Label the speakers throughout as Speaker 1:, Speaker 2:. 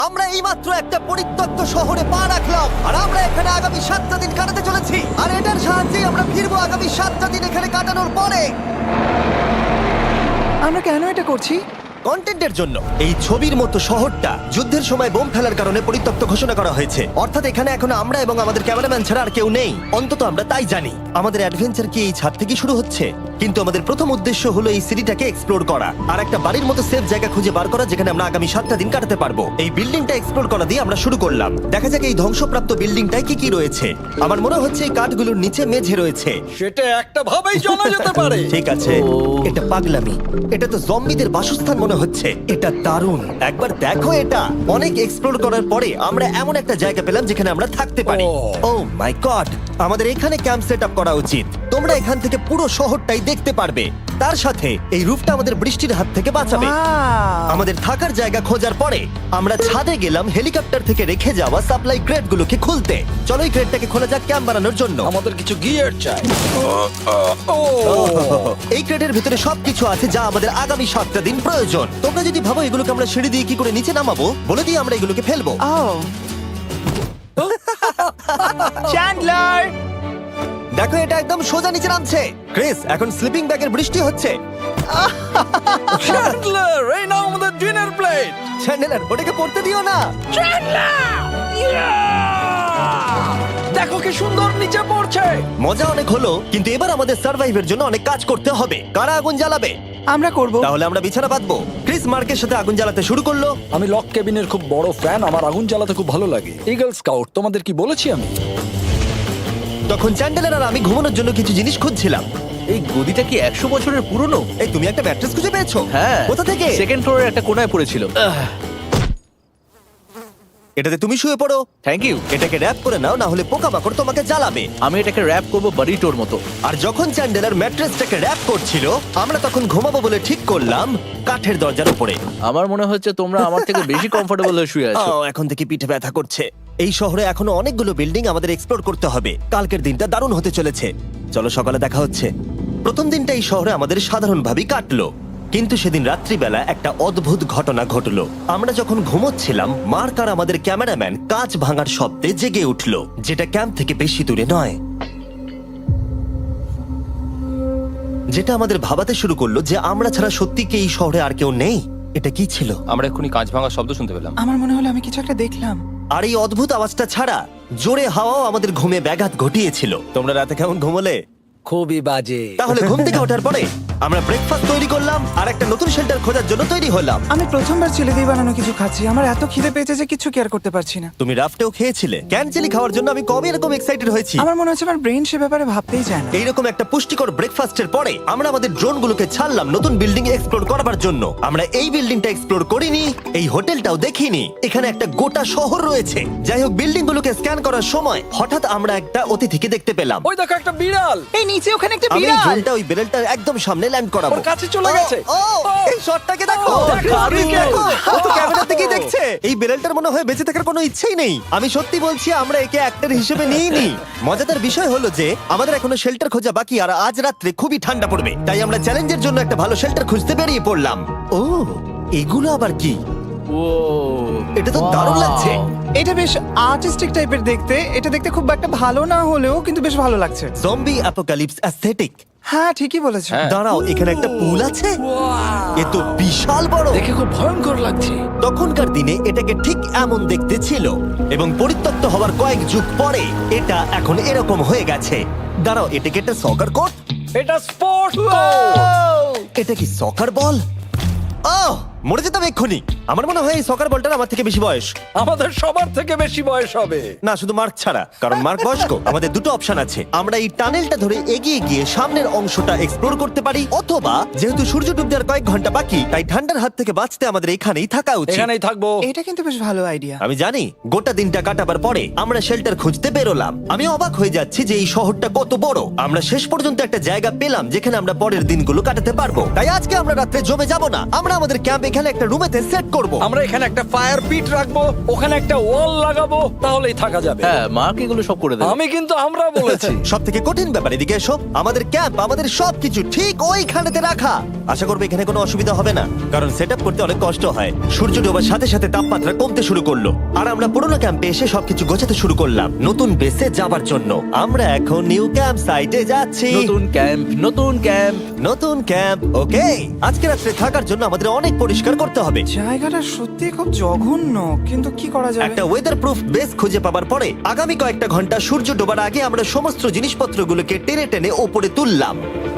Speaker 1: আমরা এইমাত্র একটা পরিত্যক্ত শহরে পা রাখলাম আর আমরা এখানে আগামী 7টা দিন কাটাতে চলেছি আর এটার সাহায্যে আমরা ফিরবো আগামী 7টা দিন এখানে কাটানোর পরে।
Speaker 2: আমরা কেন এটা করছি?
Speaker 1: কন্টেন্টের জন্য। এই ছবির মতো শহরটা যুদ্ধের সময় বোম ফেলার কারণে পরিত্যক্ত ঘোষণা করা হয়েছে, অর্থাৎ এখানে এখন আমরা এবং আমাদের ক্যামেরাম্যান ছাড়া আর কেউ নেই, অন্তত আমরা তাই জানি। আমাদের অ্যাডভেঞ্চার কি এই ছাদ থেকে শুরু হচ্ছে? কিন্তু আমাদের প্রথম উদ্দেশ্য হলো এই সিটিটাকে এক্সপ্লোর করা আর একটা বাড়ির মতো সেফ জায়গা খুঁজে বার করা যেখানে আমরা আগামী 7টা দিন কাটাতে পারবো। এই বিল্ডিংটা এক্সপ্লোর করা দিয়ে আমরা শুরু করলাম। দেখা যাক এই ধ্বংসপ্রাপ্ত বিল্ডিংটায় কি কি রয়েছে। আমার মনে হচ্ছে এই কাঠগুলোর নিচে মেঝে রয়েছে।
Speaker 3: সেটা একটা ভাবেই জানা যেতে পারে।
Speaker 1: ঠিক আছে, এটা পাগলামি। এটা তো জম্বিদের বাসস্থান মনে হচ্ছে। এটা দারুণ, একবার দেখো এটা। অনেক এক্সপ্লোর করার পরে আমরা এমন একটা জায়গা পেলাম যেখানে আমরা থাকতে পারি। ও মাই গড, আমাদের এখানে ক্যাম্প সেট আপ করা উচিত। তোমরা এখান থেকে পুরো শহরটাই দেখতে পারবে। তার সাথে এই রুফটা আমাদের বৃষ্টির হাত থেকে বাঁচাবে।
Speaker 2: Wow!
Speaker 1: আমাদের থাকার জায়গা খোঁজার পরে আমরা ছাদে গেলাম হেলিকপ্টার থেকে রেখে যাওয়া সাপ্লাই ক্রেটগুলোকে খুলতে। চলো এই ক্রেটটাকে খোলা যাক ক্যাম্প বানানোর জন্য।
Speaker 3: আমাদের কিছু গিয়ার চাই।
Speaker 1: এই ক্রেটের ভিতরে সবকিছু আছে যা আমাদের আগামী 7টা দিন প্রয়োজন। তোমরা যদি ভাবো এগুলোকে আমরা সিঁড়ি দিয়ে কি করে নিচে নামাবো, বলে দিয়ে আমরা এগুলোকে ফেলবো।
Speaker 2: Oh! চ্যান্ডলার!
Speaker 1: দেখো এটা একদম সোজা নিচে নামছে। ক্রিস, এখন স্লিপিং ব্যাগের বৃষ্টি হচ্ছে।
Speaker 3: চ্যান্ডলার, এই নাও আমাদের ডিনার প্লেট।
Speaker 1: চ্যান্ডেলার, ওটাকে পড়তে দিও না।
Speaker 3: দেখো কি সুন্দর নিচে পড়ছে।
Speaker 1: মজা অনেক হলো, কিন্তু এবার আমাদের সার্ভাইভের জন্য অনেক কাজ করতে হবে। কারা আগুন জ্বালাবে?
Speaker 2: আমরা করব।
Speaker 1: তাহলে আমরা বিছানা বাঁধবো। ক্রিস মার্কের সাথে আগুন জ্বালাতে শুরু করলো।
Speaker 3: আমি লক কেবিনের খুব বড় ফ্যান, আমার আগুন জ্বালাতে খুব ভালো লাগে। ইগল স্কাউট, তোমাদের কি বলেছি আমি?
Speaker 1: তখন চ্যান্ডেলার আর আমি ঘুমানোর জন্য কিছু জিনিস খুঁজছিলাম।
Speaker 4: এই গদিটা কি 100 বছরের পুরনো?
Speaker 1: এই তুমি একটা ম্যাট্রেস খুঁজে পেয়েছো?
Speaker 4: হ্যাঁ।
Speaker 1: কোথা থেকে?
Speaker 4: সেকেন্ড ফ্লোরের একটা কোণায় পড়েছিল।
Speaker 1: এটাতে তুমি শুয়ে পড়ো।
Speaker 4: Thank you.
Speaker 1: এটাকে র‍্যাপ করে নাও, না হলে পোকামাকড় তোমাকে জ্বালাবে।
Speaker 4: আমি এটাকে র‍্যাপ করব বারিটোর মতো।
Speaker 1: আর যখন চ্যান্ডেলার ম্যাট্রেসটাকে র‍্যাপ করছিল, আমরা তখন ঘুমাবো বলে ঠিক করলাম কাঠের দরজার উপরে।
Speaker 4: আমার মনে হচ্ছে তোমরা আমার থেকে বেশি কমফোর্টেবল হয়ে শুয়ে আছো।
Speaker 1: এখন থেকে পিঠে ব্যথা করছে। এই শহরে এখনো অনেকগুলো বিল্ডিং আমাদের এক্সপ্লোর করতে হবে। কালকের দিনটা দারুণ হতে চলেছে। চলো সকালে দেখা হচ্ছে। প্রথম দিনটা এই শহরে আমাদের সাধারণভাবেই কাটলো, কিন্তু সেদিন রাত্রিবেলা একটা অদ্ভুত ঘটনা ঘটলো। আমরা যখন ঘুমোচ্ছিলাম, মার্ক আর আমাদের ক্যামেরাম্যান কাঁচ ভাঙার শব্দে জেগে উঠলো, যেটা ক্যাম্প থেকে বেশি দূরে নয়। যেটা আমাদের ভাবাতে শুরু করলো যে আমরা ছাড়া সত্যি কি এই শহরে আর কেউ নেই। এটা কি ছিল?
Speaker 5: আমরা এক্ষুনি কাঁচ ভাঙার শব্দ শুনতে পেলাম।
Speaker 2: আমার মনে হলো আমি কিছু একটা দেখলাম।
Speaker 1: আর এই অদ্ভুত আওয়াজটা ছাড়া জোরে হাওয়াও আমাদের ঘুমে ব্যাঘাত ঘটিয়েছিল। তোমরা রাতে কেমন ঘুমোলে?
Speaker 3: খুবই বাজে।
Speaker 1: তাহলে ঘুম থেকে ওঠার পরে আমরা ব্রেকফাস্ট তৈরি করলাম আর একটা নতুন শেল্টার খোঁজার জন্য তৈরি হলাম।
Speaker 2: আমি প্রথমবার ছেলে দিয়ে বানানো কিছু খাচ্ছি। আমার এত খিদে পেয়েছে যে কিছু কেয়ার করতে পারছি না।
Speaker 1: তুমি রাফটেও খেয়েছিলে। ক্যানচেলি খাওয়ার জন্য আমি কবে এরকম এক্সাইটেড হয়েছি।
Speaker 2: আমার মনে হচ্ছে আমার ব্রেন সে ব্যাপারে ভাবতেই চায় না।
Speaker 1: এইরকম একটা পুষ্টিকর ব্রেকফাস্টের পরে আমরা আমাদের ড্রোনগুলোকে ছাড়লাম নতুন বিল্ডিং এক্সপ্লোর করার জন্য। আমরা এই বিল্ডিংটা এক্সপ্লোর করিনি, এই হোটেলটাও দেখিনি। এখানে একটা গোটা শহর রয়েছে। যাই হোক, বিল্ডিংগুলোকে স্ক্যান করার সময় হঠাৎ আমরা একটা অতিথিকে দেখতে পেলাম।
Speaker 3: ওই দেখো একটা বিড়াল।
Speaker 2: এই নিচে ওখানে একটা
Speaker 1: আমি এই
Speaker 2: বিড়াল।
Speaker 1: ড্রোনটা ওই বেরেলটার একদম সামনে ল্যান্ড করাবো।
Speaker 3: ওর কাছে চলে গেছে।
Speaker 1: এই শটটাকে দেখো।
Speaker 3: দারুণ।
Speaker 1: দেখো, ও তো ক্যামেরা থেকেই দেখছে। এই বেরেলটার মনে হয় বেঁচে থাকার কোনো ইচ্ছেই নেই। আমি সত্যি বলছি, আমরা একে অ্যাক্টর হিসেবে নিইনি। মজাদার বিষয় হলো যে আমাদের এখনো শেল্টার খোঁজা বাকি, আর আজ রাত্রে খুবই ঠান্ডা পড়বে। তাই আমরা চ্যালেঞ্জের জন্য একটা ভালো শেল্টার খুঁজতে বেরিয়ে পড়লাম। ও, এগুলো আবার কি?
Speaker 4: ও,
Speaker 1: এটা তো দারুণ লাগছে।
Speaker 2: এটা বেশ আর্টিস্টিক টাইপের দেখতে। এটা দেখতে খুব একটা ভালো না হলেও কিন্তু বেশ ভালো লাগছে।
Speaker 1: Zombie apocalypse aesthetic.
Speaker 2: হ্যাঁ, ঠিকই বলেছো।
Speaker 5: হ্যাঁ।
Speaker 1: দাঁড়াও, এখানে একটা পুল আছে। এ তো বিশাল বড়।
Speaker 3: দেখে খুব ভয়ঙ্কর লাগছে।
Speaker 1: তখনকার দিনে এটাকে ঠিক এমন দেখতে ছিল, এবং পরিত্যক্ত হওয়ার কয়েক যুগ পরে এটা এখন এরকম হয়ে গেছে। দাঁড়াও, এটাকে একটা সকার কোর্ট।
Speaker 3: এটা স্পোর্টস।
Speaker 1: এটা কি সকার বল? আহ, মরে যেতাম এক্ষুনি। আমার মনে হয় এই সকার বলটার আমার থেকে বেশি বয়স।
Speaker 3: আমাদের সবার থেকে বেশি বয়স হবে।
Speaker 1: না, শুধু মার্ক ছাড়া, কারণ মার্ক বয়স্ক। আমাদের দুটো অপশন আছে। আমরা এই টানেলটা ধরে এগিয়ে গিয়ে সামনের অংশটা এক্সপ্লোর করতে পারি, অথবা যেহেতু সূর্য ডুবতে আর কয়েক ঘন্টা বাকি, তাই ঠান্ডার হাত থেকে বাঁচতে আমাদের এখানেই থাকা উচিত।
Speaker 3: এখানেই থাকবো।
Speaker 2: এটা কিন্তু বেশ ভালো আইডিয়া।
Speaker 1: আমি জানি। গোটা দিনটা কাটাবার পরে আমরা শেল্টার খুঁজতে বেরোলাম। আমি অবাক হয়ে যাচ্ছি যে এই শহরটা কত বড়। আমরা শেষ পর্যন্ত একটা জায়গা পেলাম যেখানে আমরা পরের দিনগুলো কাটাতে পারবো। তাই আজকে আমরা রাত্রে জমে যাব না। আমরা আমাদের ক্যাম্প এখানে একটা রুমেতে সেট করব। করব।
Speaker 3: আমরা এখানে একটা ফায়ার পিট রাখবো, ওখানে একটা ওয়াল লাগাবো, তাহলেই থাকা যাবে।
Speaker 4: হ্যাঁ মার্ক এগুলো সব করে দেবে।
Speaker 3: আমি কিন্তু আমরা বলেছি।
Speaker 1: সব থেকে কঠিন ব্যাপার, এদিকে এসো। আমাদের ক্যাম্প, আমাদের সবকিছু ঠিক ওইখানেতে রাখা। আশা করবো এখানে কোনো অসুবিধা হবে না, কারণ সেট করতে অনেক কষ্ট হয়। সূর্য ডোবার সাথে সাথে তাপমাত্রা কমতে শুরু করলো, আর আমরা পুরোনো ক্যাম্পে এসে সবকিছু গোছাতে শুরু করলাম নতুন বেসে যাবার জন্য। আমরা এখন নিউ ক্যাম্প সাইটে যাচ্ছি।
Speaker 4: নতুন ক্যাম্প, নতুন ক্যাম্প।
Speaker 1: নতুন ক্যাম্প, ওকে। আজকে রাত্রে থাকার জন্য আমাদের অনেক পরিষ্কার করতে হবে।
Speaker 2: জায়গাটা সত্যি খুব জঘন্য, কিন্তু কি করা যাবে?
Speaker 1: একটা ওয়েদার প্রুফ বেস খুঁজে পাবার পরে আগামী কয়েকটা ঘন্টা সূর্য ডোবার আগে আমরা সমস্ত জিনিসপত্রগুলোকে টেনে টেনে ওপরে তুললাম।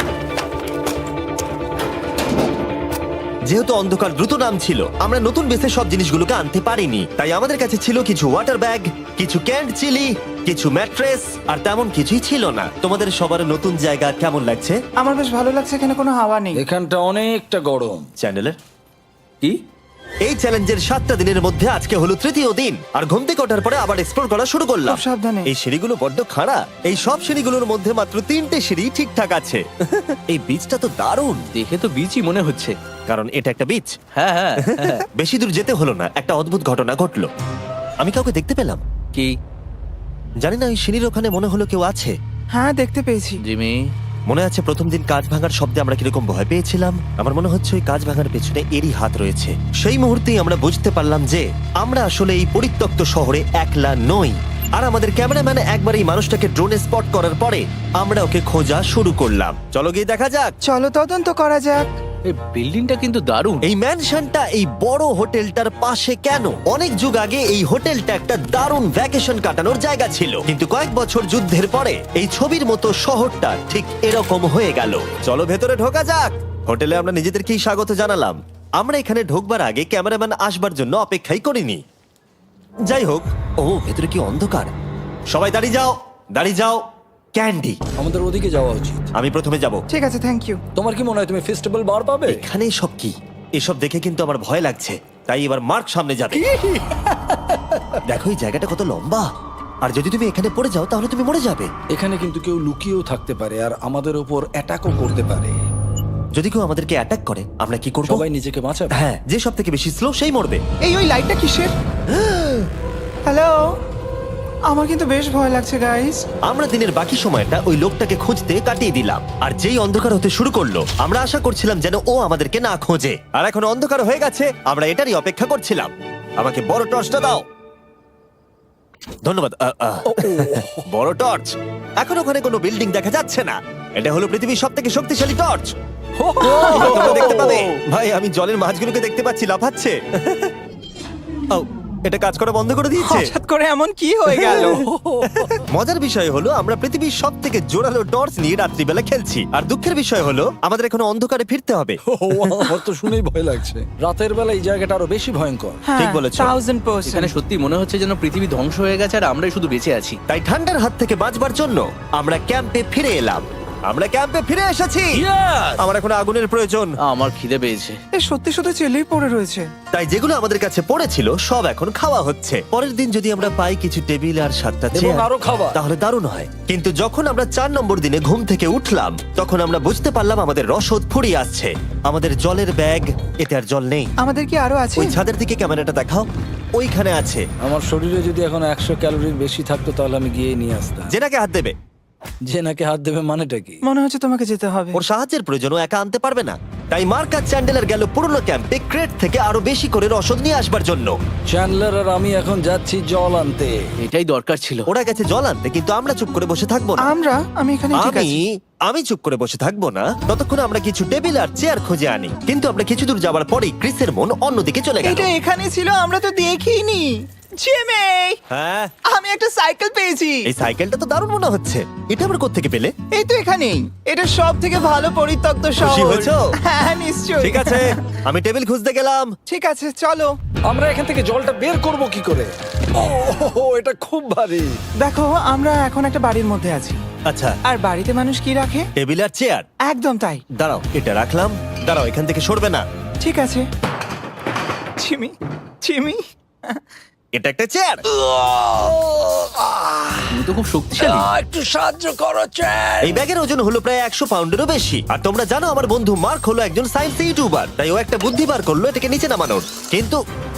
Speaker 1: যেহেতু অন্ধকার দ্রুত নামছিল, আমরা নতুন বেসে সব জিনিসগুলোকে আনতে পারিনি, তাই আমাদের কাছে ছিল কিছু ওয়াটার ব্যাগ, কিছু ক্যান্ড চিলি, কিছু ম্যাট্রেস, আর তেমন কিছুই ছিল না। তোমাদের সবার নতুন জায়গা কেমন লাগছে?
Speaker 2: আমার বেশ ভালো লাগছে, এখানে কোনো হাওয়া নেই।
Speaker 3: এখানটা অনেকটা গরম।
Speaker 1: চ্যানেলের
Speaker 3: কি?
Speaker 1: এই চ্যালেঞ্জের 7টা দিনের মধ্যে আজকে হলো তৃতীয় দিন, আর ঘুম থেকে ওঠার পরে আবার এক্সপ্লোর করা শুরু করলাম।
Speaker 2: খুব সাবধানে।
Speaker 1: এই সিঁড়িগুলো বড্ড খাড়া। এই সব সিঁড়িগুলোর মধ্যে মাত্র 3টে সিঁড়ি ঠিকঠাক আছে। এই বীজটা তো দারুণ,
Speaker 4: দেখে তো বিচই মনে হচ্ছে।
Speaker 1: কারণ এটা একটা বীজ।
Speaker 4: হ্যাঁ হ্যাঁ হ্যাঁ।
Speaker 1: বেশি দূর যেতে হলো না, একটা অদ্ভুত ঘটনা ঘটলো। আমি কাউকে দেখতে পেলাম,
Speaker 4: কি
Speaker 1: জানি না, ওই সিঁড়ির ওখানে মনে হলো কেউ আছে।
Speaker 2: হ্যাঁ, দেখতে পেয়েছি।
Speaker 4: জিমি?
Speaker 1: মনে আছে প্রথম দিন কাঁচ ভাঙার শব্দে আমরা কিরকম ভয় পেয়েছিলাম? আমার মনে হচ্ছে ওই কাঁচ ভাঙার পেছনে এরই হাত রয়েছে। সেই মুহূর্তেই আমরা বুঝতে পারলাম যে আমরা আসলে এই পরিত্যক্ত শহরে একলা নই। আর আমাদের ক্যামেরাম্যান একবার এই মানুষটাকে ড্রোনে স্পট করার পরে আমরা ওকে খোঁজা শুরু করলাম। চলো গিয়ে দেখা যাক।
Speaker 2: চলো তদন্ত করা যাক।
Speaker 4: এই বিল্ডিংটা কিন্তু দারুণ।
Speaker 1: এই ম্যানশনটা এই বড় হোটেলটার পাশে কেন? অনেক যুগ আগে এই হোটেলটা একটা দারুণ ভ্যাকেশন কাটানোর জায়গা ছিল, কিন্তু কয়েক বছর যুদ্ধের পরে এই ছবির মতো শহরটা ঠিক এরকম হয়ে গেল। চলো ভেতরে ঢোকা যাক। হোটেলে আমরা নিজেদেরকেই স্বাগত জানালাম। আমরা এখানে ঢোকবার আগে ক্যামেরাম্যান আসবার জন্য অপেক্ষাই করিনি। যাই হোক, ও ভেতরে কি অন্ধকার। সবাই দাঁড়িয়ে যাও, দাঁড়িয়ে যাও। ক্যান্ডি,
Speaker 3: আমাদের ওদিকে যাওয়া উচিত।
Speaker 1: আমি প্রথমে যাব।
Speaker 2: ঠিক আছে, থ্যাংক ইউ।
Speaker 3: তোমার কি মনে হয় তুমি ফেস্টিভ্যাল বার পাবে?
Speaker 1: এখানে সব কি? এসব দেখে কিন্তু আমার ভয় লাগছে, তাই এবার মার্ক সামনে যাবে। দেখো এই জায়গাটা কত লম্বা, আর যদি তুমি এখানে পড়ে যাও তাহলে তুমি মরে যাবে।
Speaker 3: এখানে কিন্তু কেউ লুকিয়েও থাকতে পারে আর আমাদের উপর অ্যাটাকও করতে পারে।
Speaker 1: যদি কেউ আমাদেরকে অ্যাটাক করে আমরা কি করব?
Speaker 3: সবাই নিজেকে বাঁচাবে।
Speaker 1: হ্যাঁ, যে সব থেকে বেশি স্লো সেই মরবে।
Speaker 2: ওই লাইটটা কিসের? হ্যালো, আমার কিন্তু বেশ ভয় লাগছে গাইস।
Speaker 1: আমরা দিনের বাকি সময়টা ওই লোকটাকে খুঁজতে কাটিয়ে দিলাম, আর যেই অন্ধকার হতে শুরু করলো আমরা আশা করছিলাম যেন ও আমাদেরকে না খোঁজে। আর এখন অন্ধকার হয়ে গেছে, আমরা এটারই অপেক্ষা করছিলাম। আমাকে বড় টর্চটা দাও। ধন্যবাদ। বড় টর্চ। এখন ওখানে কোনো বিল্ডিং দেখা যাচ্ছে না। এটা হলো পৃথিবীর সব থেকে শক্তিশালী টর্চ। তোমরা দেখতে পাবে। ভাই, আমি জলের মাছগুলোকে দেখতে পাচ্ছি লাফাচ্ছে। ও, এটা কাজ করা বন্ধ করে দিয়েছে।
Speaker 2: হঠাৎ করে এমন কি হয়ে গেল?
Speaker 1: মজার বিষয় হলো আমরা পৃথিবীর সব থেকে জোরালো টর্চ নিয়ে রাত্রিবেলা খেলছি, আর দুঃখের বিষয় হলো আমাদের এখন অন্ধকারে ফিরতে হবে।
Speaker 3: আমার তো শুনেই ভয় লাগছে। রাতের বেলা এই জায়গাটা আরো বেশি ভয়ঙ্কর।
Speaker 1: ঠিক বলেছো।
Speaker 2: 1000%।
Speaker 4: এখানে সত্যি মনে হচ্ছে যেন পৃথিবী ধ্বংস হয়ে গেছে আর আমরাই শুধু বেঁচে আছি।
Speaker 1: তাই ঠান্ডার হাত থেকে বাঁচবার জন্য আমরা ক্যাম্পে ফিরে এলাম। আমরা ক্যাম্পে ফিরে এসেছি। আমার এখন আগুনের প্রয়োজন।
Speaker 4: আমার খিদে পেয়েছে।
Speaker 2: এ সত্যি সত্যি চেলেই পড়ে রয়েছে।
Speaker 1: তাই যেগুলো আমাদের কাছে পড়েছিল সব এখন খাওয়া হচ্ছে। পরের দিন যদি আমরা পাই কিছু টেবিল আর 7টা
Speaker 3: এবং
Speaker 1: চেয়ার,
Speaker 3: আরো খাবার।
Speaker 1: তাহলে দারুণ হয়। কিন্তু যখন আমরা 4 নম্বর দিনে ঘুম থেকে উঠলাম তখন আমরা বুঝতে পারলাম আমাদের রসদ ফুরিয়ে আসছে। আমাদের জলের ব্যাগ, এতে আর জল নেই।
Speaker 2: আমাদের কি আরো আছে?
Speaker 1: ওই ছাদের দিকে ক্যামেরাটা দেখাও, ওইখানে আছে।
Speaker 3: আমার শরীরে যদি এখন 100 ক্যালোরির বেশি থাকতো তাহলে আমি গিয়ে নিয়ে আসতাম।
Speaker 1: জেনাকে হাত দেবে।
Speaker 3: যে নাকি হাত দেবে মানেটা কি?
Speaker 2: মনে হচ্ছে তোমাকে যেতে হবে।
Speaker 1: ওর সাহায্যের প্রয়োজন, ও একা আনতে পারবে না। তাই মার্ক আর চ্যান্ডেলার গেল পুরনো ক্যাম্পে ক্রেট থেকে আরো বেশি করে রসদ নিয়ে আসবার জন্য।
Speaker 3: চ্যান্ডলার আর আমি এখন যাচ্ছি জল আনতে।
Speaker 4: এটাই দরকার ছিল।
Speaker 1: ওরা গেছে জল আনতে, কিন্তু আমরা চুপ করে বসে থাকবো না।
Speaker 2: আমি এখানে ঠিক আছি।
Speaker 1: আমি চুপ করে বসে থাকবো না ততক্ষণ আমরা কিছু টেবিল আর চেয়ার খুঁজে আনি। কিন্তু আমরা কিছু দূর যাবার পরেই ক্রিসের মন অন্যদিকে চলে গেল।
Speaker 2: এটা এখানে ছিল, আমরা তো দেখিনি। জিমি,
Speaker 1: হ্যাঁ,
Speaker 2: আমি একটা সাইকেল পেয়েছি।
Speaker 1: এই সাইকেলটা তো দারুণ মনে হচ্ছে। এটা আমরা কোত্থেকে পেলে?
Speaker 2: এই তো এখানেই। এটা সব থেকে ভালো পরিত্যক্ত
Speaker 1: খুশি
Speaker 2: শহর।
Speaker 1: হয়েছো?
Speaker 2: হ্যাঁ, নিশ্চয়ই।
Speaker 1: ঠিক আছে, আমি টেবিল খুঁজতে গেলাম।
Speaker 2: ঠিক আছে, চলো।
Speaker 3: আমরা এখান থেকে জলটা বের করব কি করে? ও, এটা খুব ভারী।
Speaker 2: দেখো, আমরা এখন একটা বাড়ির মধ্যে আছি।
Speaker 1: আচ্ছা,
Speaker 2: আর বাড়িতে মানুষ কি রাখে?
Speaker 1: টেবিল আর চেয়ার।
Speaker 2: একদম তাই।
Speaker 1: দাঁড়াও, এটা রাখলাম। দাঁড়াও, এখান থেকে সরবে না।
Speaker 2: ঠিক আছে। চিমি, চিমি,
Speaker 1: এটা একটা চেয়ার।
Speaker 4: তুমি তো খুব শক্তিশালী।
Speaker 3: একটু সাহায্য করো চ্যান।
Speaker 1: এই ব্যাগের ওজন হলো প্রায় 100 পাউন্ডেরও বেশি। আর তোমরা জানো আমার বন্ধু মার্ক হলো একজন সায়েন্স ইউটিউবার, তাই ও একটা বুদ্ধি বার করলো এটাকে নিচে নামানোর। কিন্তু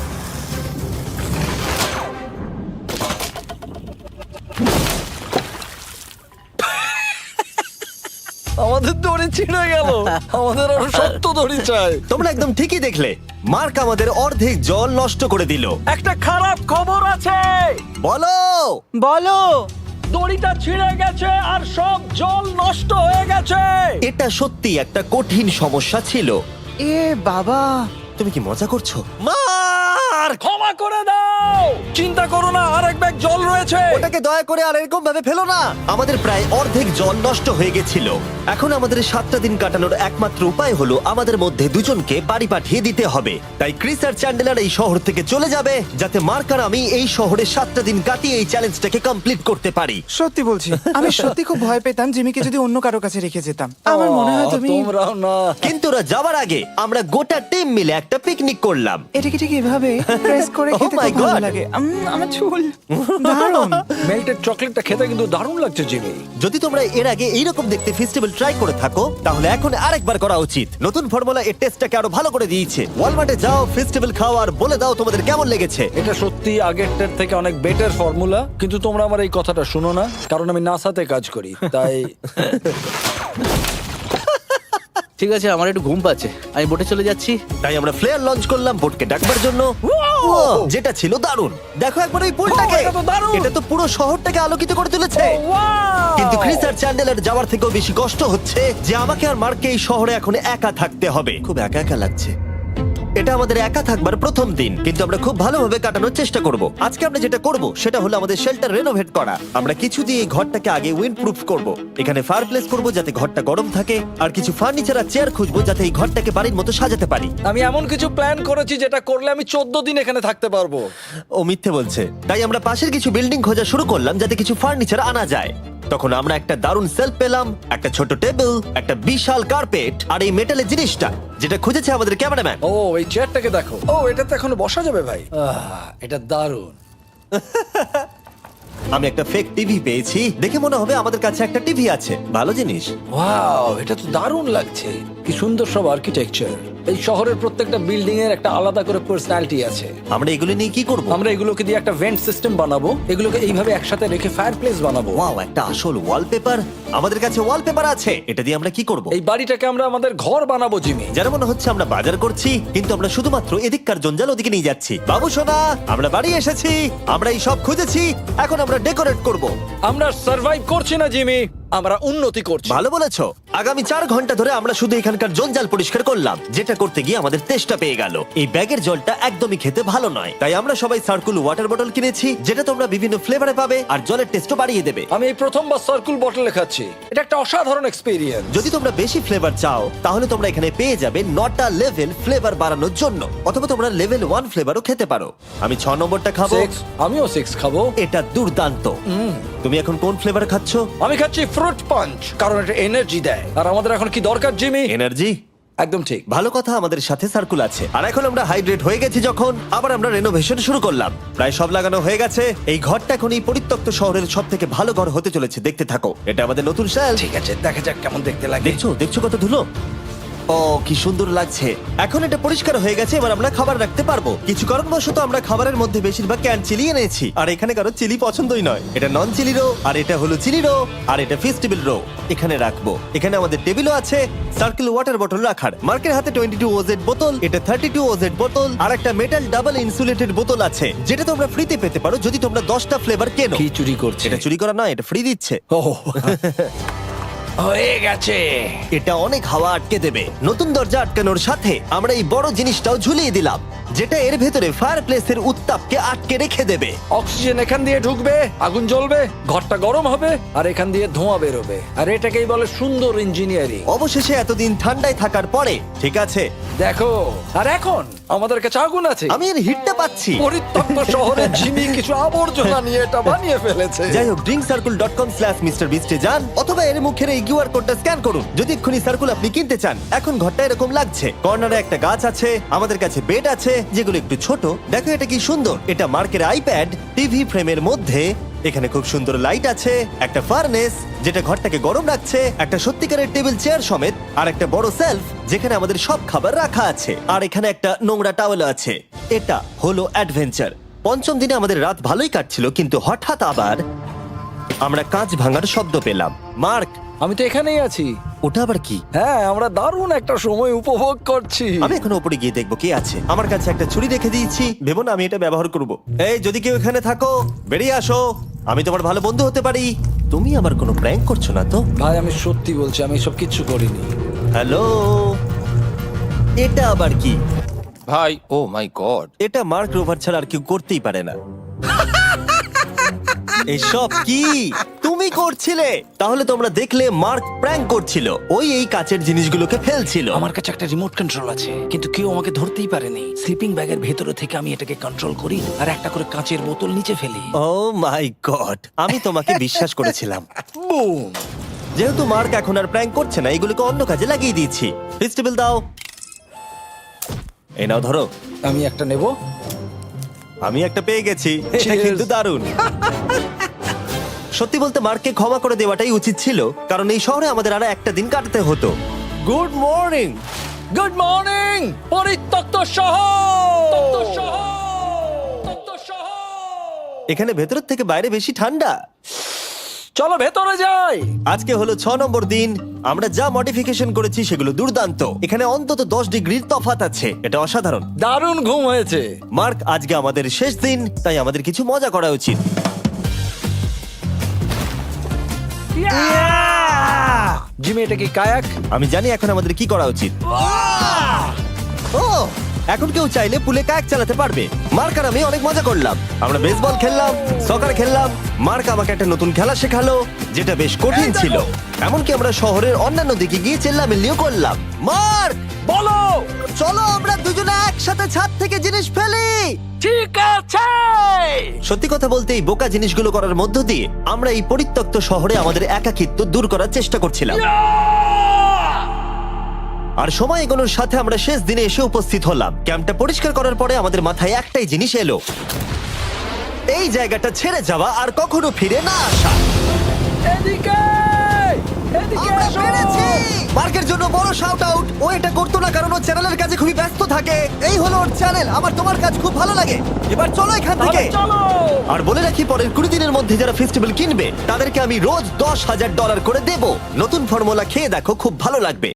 Speaker 3: আমাদের দড়ি ছিঁড়ে গেল। আমাদের আরো শক্ত দড়ি চাই।
Speaker 1: তোমরা একদম ঠিকই দেখলে, মার্ক আমাদের অর্ধেক জল নষ্ট করে দিল।
Speaker 3: একটা খারাপ খবর আছে,
Speaker 1: বলো।
Speaker 2: বলো।
Speaker 3: দড়িটা ছিঁড়ে গেছে আর সব জল নষ্ট হয়ে গেছে।
Speaker 1: এটা সত্যি একটা কঠিন সমস্যা ছিল।
Speaker 2: এ বাবা।
Speaker 1: তুমি কি মজা করছো? মার্ক,
Speaker 3: ক্ষমা করে দাও। চিন্তা করো না, আর এক ব্যাগ জল রয়েছে।
Speaker 1: ওটাকে দয়া করে আর এরকম ভাবে ফেলো না। আমাদের প্রায় অর্ধেক জল নষ্ট হয়ে গেছিল। এখন আমাদের 7টা দিন কাটানোর একমাত্র উপায় হলো আমাদের মধ্যে দুজনকে বাড়ি পাঠিয়ে দিতে হবে। তাই ক্রিস আর চ্যান্ডেলার এই শহর থেকে চলে যাবে, যাতে মার্ক আর আমি এই শহরে 7টা দিন কাটিয়ে এই চ্যালেঞ্জটাকে কমপ্লিট করতে পারি।
Speaker 2: সত্যি বলছি, আমি সত্যি খুব ভয় পেতাম জিমিকে যদি অন্য কারো কাছে রেখে যেতাম। আমার মনে হয় তুমি
Speaker 3: তোমরাও না।
Speaker 1: কিন্তু ওরা যাওয়ার আগে আমরা গোটা টিম মিলে একটা পিকনিক করলাম।
Speaker 2: এটাকে ঠিক এভাবে প্রেস করে
Speaker 1: Oh
Speaker 2: খেতে
Speaker 1: my
Speaker 2: খুব ভালো
Speaker 1: God!
Speaker 2: লাগে। আমার চুল দারুণ।
Speaker 3: মেল্টেড চকলেটটা খেতে কিন্তু দারুণ লাগছে জিমি।
Speaker 1: যদি তোমরা এর আগে এইরকম দেখতে ফেস্টিভ্যাল ট্রাই করে থাকো, তাহলে এখন আরেকবার করা উচিত। নতুন ফর্মুলা এর টেস্টটাকে আরো ভালো করে দিয়েছে। ওয়ালমার্টে যাও, ফেস্টিভ্যাল খাও আর বলে দাও তোমাদের কেমন লেগেছে।
Speaker 3: এটা সত্যি আগেরটার থেকে অনেক বেটার ফর্মুলা, কিন্তু তোমরা আমার এই কথাটা শুনো না, কারণ আমি নাসাতে কাজ করি, তাই
Speaker 4: ঠিক আছে, আমার একটু ঘুম পাচ্ছে, আমি বোটে চলে যাচ্ছি।
Speaker 1: তাই আমরা ফ্লেয়ার লঞ্চ করলাম বোটকে ডাকবার জন্য, যেটা ছিল দারুণ। দেখো একবার ওই পুলটাকে,
Speaker 3: এটা তো দারুণ!
Speaker 1: এটা তো পুরো শহরটাকে আলোকিত করে তুলেছে। কিন্তু ক্রিস আর চ্যান্ডেলার যাওয়ার থেকেও বেশি কষ্ট হচ্ছে যে আমাকে আর মার্ককে এই শহরে এখন একা থাকতে হবে। খুব একা একা লাগছে। এটা আমাদের একা থাকবার প্রথম দিন, কিন্তু আমরা খুব ভালোভাবে কাটানোর চেষ্টা করব। আজকে আমরা যেটা করব সেটা হলো আমাদের শেল্টার রেনোভেট করা। আমরা কিছু দিয়ে এই ঘরটাকে আগে উইন্ড প্রুফ করব। এখানে ফায়ারপ্লেস করব যাতে ঘরটা গরম থাকে, আর কিছু ফার্নিচার আর চেয়ার খুঁজবো যাতে এই ঘরটাকে বাড়ির মতো সাজাতে পারি।
Speaker 3: আমি এমন কিছু প্ল্যান করেছি যেটা করলে আমি 14 দিন এখানে থাকতে পারবো।
Speaker 1: ও মিথ্যে বলছে। তাই আমরা পাশের কিছু বিল্ডিং খোঁজা শুরু করলাম যাতে কিছু ফার্নিচার আনা যায়। তখন আমরা একটা দারুণ সেলফ পেলাম, একটা ছোট টেবিল, একটা বিশাল কার্পেট আর এই মেটালের জিনিসটা যেটা খুঁজেছে আমাদের ক্যামেরাম্যান।
Speaker 3: ও এই চেয়ারটাকে দেখো। ও এটাতে এখনো বসা যাবে ভাই। এটা দারুণ।
Speaker 1: আমি একটা ফেক টিভি পেয়েছি, দেখে মনে হবে আমাদের কাছে একটা টিভি আছে। ভালো জিনিস।
Speaker 3: ওয়াও, এটা তো দারুণ লাগছে। কি সুন্দর সব আর্কিটেকচার। এই শহরের প্রত্যেকটা বিল্ডিং এর একটা আলাদা করে পার্সোনালিটি আছে।
Speaker 1: আমরা এগুলো নিয়ে কি করব?
Speaker 3: আমরা এগুলোকে দিয়ে একটা ভেন্ট সিস্টেম বানাবো, এগুলোকে এইভাবে একসাথে রেখে ফায়ারপ্লেস বানাবো।
Speaker 1: ওয়াও, একটা আসল ওয়ালপেপার। আমাদের কাছে ওয়ালপেপার আছে। এটা দিয়ে আমরা কি করব?
Speaker 3: এই বাড়িটাকে আমরা আমাদের ঘর বানাবো জিমি।
Speaker 1: যারা মনে হচ্ছে আমরা বাজার করছি, কিন্তু আমরা শুধুমাত্র এদিককার জঞ্জাল ওদিকে নিয়ে যাচ্ছি। বাবু সোনা, আমরা বাড়ি এসেছি, আমরা এই সব খুঁজেছি, এখন আমরা ডেকোরেট করব।
Speaker 3: আমরা সার্ভাইভ করছি না জিমি, আমরা উন্নতি করছি।
Speaker 1: ভালো বলেছো। আগামী 4 ঘন্টা ধরে আমরা শুধু এখানকার জঞ্জাল পরিষ্কার করলাম, যেটা করতে গিয়ে আমাদের তেষ্টা পেয়ে গেল। এই ব্যাগের জলটা একদমই খেতে ভালো নয়, তাই আমরা সবাই সার্কুল ওয়াটার বটল কিনেছি, যেটা তোমরা বিভিন্ন ফ্লেভারে পাবে আর জলের টেস্টও বাড়িয়ে দেবে।
Speaker 3: আমি এই প্রথমবার সার্কুল বটলে খাচ্ছি, এটা একটা অসাধারণ এক্সপেরিয়েন্স।
Speaker 1: যদি তোমরা বেশি ফ্লেভার চাও, তাহলে তোমরা এখানে পেয়ে যাবে 9টা লেভেল ফ্লেভার বাড়ানোর জন্য, অথবা তোমরা লেভেল 1 ফ্লেভারও খেতে পারো। আমি 6 নম্বরটা খাবো।
Speaker 3: আমিও 6 খাবো।
Speaker 1: এটা দুর্দান্ত। তুমি এখন কোন ফ্লেভার খাচ্ছ?
Speaker 3: আমি খাচ্ছি ফ্রুট পাঞ্চ, কারণ এটা এনার্জি দেয়। আর আমাদের এখন কি দরকার জিমি?
Speaker 1: এনার্জি।
Speaker 3: একদম ঠিক।
Speaker 1: ভালো কথা, আমাদের সাথে সার্কুল আছে। আর এখন আমরা হাইড্রেট হয়ে গেছি যখন, আবার আমরা রেনোভেশন শুরু করলাম। প্রায় সব লাগানো হয়ে গেছে। এই ঘরটা এখন এই পরিত্যক্ত শহরের সব থেকে ভালো ঘর হতে চলেছে। দেখতে থাকো, এটা আমাদের নতুন শেল।
Speaker 3: ঠিক আছে, দেখা যাক কেমন দেখতে লাগে।
Speaker 1: দেখছো দেখছো কত ধুলো। ও কি সুন্দর লাগছে। এখন এটা পরিষ্কার হয়ে গেছে, এবার আমরা খাবার রাখতে পারবো। কিছু কারণবশত আমরা খাবারের মধ্যে বেশিরভাগ ক্যান চিলি এনেছি, আর এখানে কারো চিলি পছন্দই নয়। এটা নন চিলি রো, আর এটা হলো চিলি রো, আর এটা ফেস্টিভ্যাল রো। এখানে রাখবো। এখানে আমাদের টেবিলও আছে, সার্কেল ওয়াটার বটল রাখার। মার্কের হাতে 22 ওজেড বোতল, এটা 32 ওজেড বোতল, আর একটা মেটাল ডাবল ইনসুলেটেড বোতল আছে, যেটা তোমরা ফ্রিতে পেতে পারো যদি তোমরা 10টা ফ্লেভার কেনো।
Speaker 3: কি চুরি করছে?
Speaker 1: এটা চুরি করা নয়, এটা ফ্রি দিচ্ছে।
Speaker 3: ও হয়ে গেছে।
Speaker 1: এটা অনেক হাওয়া আটকে দেবে। নতুন দরজা আটকানোর সাথে আমরা এই বড় জিনিসটাও ঝুলিয়ে দিলাম, যেটা এর ভেতরে ফায়ারপ্লেসের উত্তাপকে আটকে রেখে দেবে।
Speaker 3: অক্সিজেন এখান দিয়ে ঢুকবে, আগুন জ্বলবে, ঘরটা গরম হবে, আর এখান দিয়ে ধোঁয়া বেরোবে। আর এটাকেই বলে সুন্দর ইঞ্জিনিয়ারিং।
Speaker 1: অবশেষে এতদিন ঠান্ডায় থাকার পরে ঠিক আছে।
Speaker 3: দেখো, আর এখন আমাদের কাছে আগুন আছে।
Speaker 1: আমি এর হিটটা পাচ্ছি।
Speaker 3: পরিত্যক্ত শহরে জিমি কিছু আবর্জনা নিয়ে এটা বানিয়ে ফেলেছে।
Speaker 1: যাই হোক, drinkcircle.com/MrBeast এ যান, অথবা এর মুখের এই কিউআর কোডটা স্ক্যান করুন যদি এক্ষুনি সার্কুল আপনি কিনতে চান। এখন ঘরটা এরকম লাগছে। কর্নারে একটা গাছ আছে, আমাদের কাছে বেড আছে, যেগুলো একটু ছোট। দেখো এটা কি সুন্দর, এটা মার্কের আইপ্যাড টিভি ফ্রেমের মধ্যে। এখানে খুব সুন্দর লাইট আছে, একটা ফার্নেস যেটা ঘরটাকে গরম রাখছে, একটা সত্যিকারের টেবিল চেয়ার সমেত, আর একটা বড় সেলফ যেখানে আমাদের সব খাবার রাখা আছে, আর এখানে একটা নোংরা টাওয়েল আছে। এটা হলো অ্যাডভেঞ্চার। পঞ্চম দিনে আমাদের রাত ভালোই কাটছিল, কিন্তু হঠাৎ আবার আমরা কাঁচ ভাঙার শব্দ পেলাম। মার্ক,
Speaker 3: আমি তো এখানেই আছি।
Speaker 1: ওটা আবার কি?
Speaker 3: হ্যাঁ, আমরা দারুণ একটা সময় উপভোগ করছি।
Speaker 1: আমি এখন উপরে গিয়ে দেখবো কি আছে। আমার কাছে একটা ছুরি রেখে দিয়েছি, ভেবো না আমি এটা ব্যবহার করব। এই, যদি কেউ এখানে থাকো বেরিয়ে আসো, আমি তোমার ভালো বন্ধু হতে পারি। তুমি আমার কোনো প্র্যাঙ্ক করছো না তো?
Speaker 3: ভাই, আমি সত্যি বলছি, আমি সব কিচ্ছু করিনি।
Speaker 1: হ্যালো, এটা আবার কি?
Speaker 5: ভাই, ও মাই গড।
Speaker 1: এটা মার্ক রোভার ছাড়া আর কেউ করতেই পারে না। এসব কি তুমি করছিলে? তাহলে তোমরা দেখলে মার্ক প্র্যাঙ্ক করছিল। ওই এই কাচের জিনিসগুলোকে ফেলছিল।
Speaker 6: আমার কাছে একটা রিমোট কন্ট্রোল আছে, কিন্তু কেউ আমাকে ধরতেই পারেনি। স্লিপিং ব্যাগের ভেতরে থেকে আমি এটাকে কন্ট্রোল করি আর একটা করে কাঁচের বোতল নিচে ফেলি।
Speaker 1: ও মাই গড, আমি তোমাকে বিশ্বাস করেছিলাম।
Speaker 3: বুম!
Speaker 1: যেহেতু মার্ক এখন আর প্র্যাঙ্ক করছে না, এগুলোকে অন্য কাজে লাগিয়ে দিয়েছি। ফেস্টিভ্যাল দাও। এই নাও, ধরো।
Speaker 3: আমি একটা নেব।
Speaker 1: আমি একটা পেয়ে গেছি। এটা
Speaker 3: Cheers!
Speaker 1: কিন্তু দারুণ। সত্যি বলতে মার্ককে ক্ষমা করে দেওয়াটাই উচিত ছিল, কারণ এই শহরে আমাদের আর একটা দিন কাটাতে হতো। Good morning.
Speaker 3: গুড মর্নিং, পরিত্যক্ত শহর।
Speaker 1: এখানে ভেতরের থেকে বাইরে বেশি ঠান্ডা।
Speaker 3: চলো ভেতরে যাই।
Speaker 1: আজকে হলো 6 নম্বর দিন। আমরা যা মডিফিকেশন করেছি সেগুলো দুর্দান্ত। এখানে অন্তত 10 ডিগ্রির তফাৎ আছে, এটা অসাধারণ।
Speaker 3: দারুণ ঘুম হয়েছে।
Speaker 1: মার্ক, আজকে আমাদের শেষ দিন, তাই আমাদের কিছু মজা করা উচিত।
Speaker 3: জিমি, এটা কি কায়াক?
Speaker 1: আমি জানি এখন আমাদের কি করা উচিত। ও, এখন কেউ চাইলে পুলে কায়াক চালাতে পারবে। মার্ক আর আমি অনেক মজা করলাম। আমরা বেসবল খেললাম, সকার খেললাম। মার্ক আমাকে একটা নতুন খেলা শেখালো, যেটা বেশ কঠিন ছিল। এমনকি আমরা শহরের অন্যান্য দিকে গিয়ে চেল্লামিল্লিও করলাম। মার্ক,
Speaker 3: বলো।
Speaker 1: চলো আমরা দুজনে একসাথে ছাদ থেকে জিনিস ফেলি।
Speaker 3: ঠিক আছে।
Speaker 1: সত্যি কথা বলতে, এই বোকা জিনিসগুলো করার মধ্য দিয়ে আমরা এই পরিত্যক্ত শহরে আমাদের একাকিত্ব দূর করার চেষ্টা করছিলাম। আর সময় এগোনোর সাথে আমরা শেষ দিনে এসে উপস্থিত হলাম। ক্যাম্পটা পরিষ্কার করার পরে আমাদের মাথায় একটাই জিনিস এলো, এই জায়গাটা ছেড়ে যাওয়া আর কখনো ফিরে না আসা।
Speaker 3: এদিকে, এদিকে
Speaker 1: আমরা
Speaker 3: এসো।
Speaker 1: পেরেছি! মার্কের জন্য বড় শাউট আউট। ও এটা করতো না কারণ ও চ্যানেলের কাছে খুবই ব্যস্ত থাকে। এই হলো ওর চ্যানেল। আমার তোমার কাজ খুব ভালো লাগে। এবার চলো এখান থেকে।
Speaker 3: তাহলে চলো।
Speaker 1: আর বলে রাখি, পরের 20 দিনের মধ্যে যারা ফেস্টিভ্যাল কিনবে তাদেরকে আমি রোজ $10,000 করে দেব। নতুন ফর্মুলা খেয়ে দেখো, খুব ভালো লাগবে।